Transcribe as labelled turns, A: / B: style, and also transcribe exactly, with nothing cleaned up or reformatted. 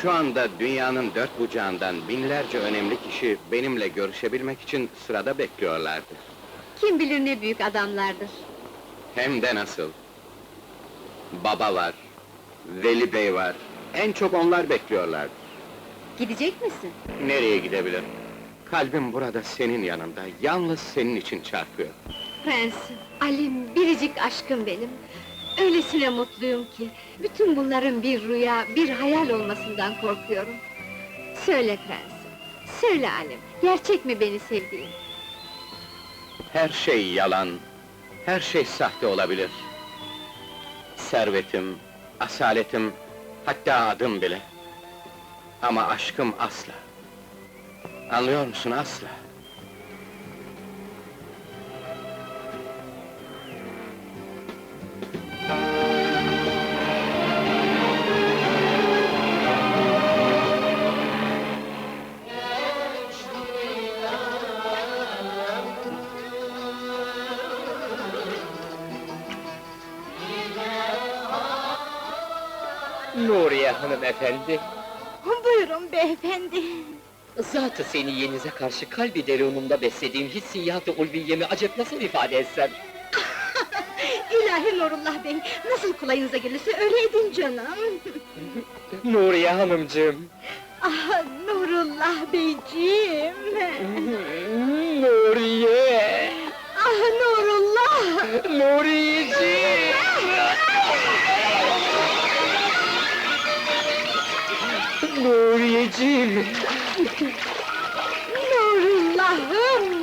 A: Şu anda dünyanın dört bucağından binlerce önemli kişi benimle görüşebilmek için sırada bekliyorlardır.
B: Kim bilir ne büyük adamlardır.
A: Hem de nasıl? Baba var, Veli Bey var, en çok onlar bekliyorlardır.
B: Gidecek misin?
A: Nereye gidebilir? Kalbim burada senin yanında, yalnız senin için çarpıyor.
B: Prensim, Alim, biricik aşkım benim. Öylesine mutluyum ki, bütün bunların bir rüya, bir hayal olmasından korkuyorum. Söyle prensim, söyle Alim, gerçek mi beni sevdiğin?
A: Her şey yalan, her şey sahte olabilir. Servetim, asaletim, hatta adım bile. Ama aşkım asla. Anlıyor musun, asla?
C: Nuriye hanımefendi,
B: Buyurun beyefendi.
C: zatı seni yenize karşı kalbi derunumda beslediğim hissiyat-ı ulviyemi acep nasıl ifade etsem?
B: İlahi Nurullah Bey, nasıl kolayınıza gelirse öyle edin canım.
C: Nuriye hanımcığım!
B: Ah, Nurullah Beyciğim!
C: Nuriye!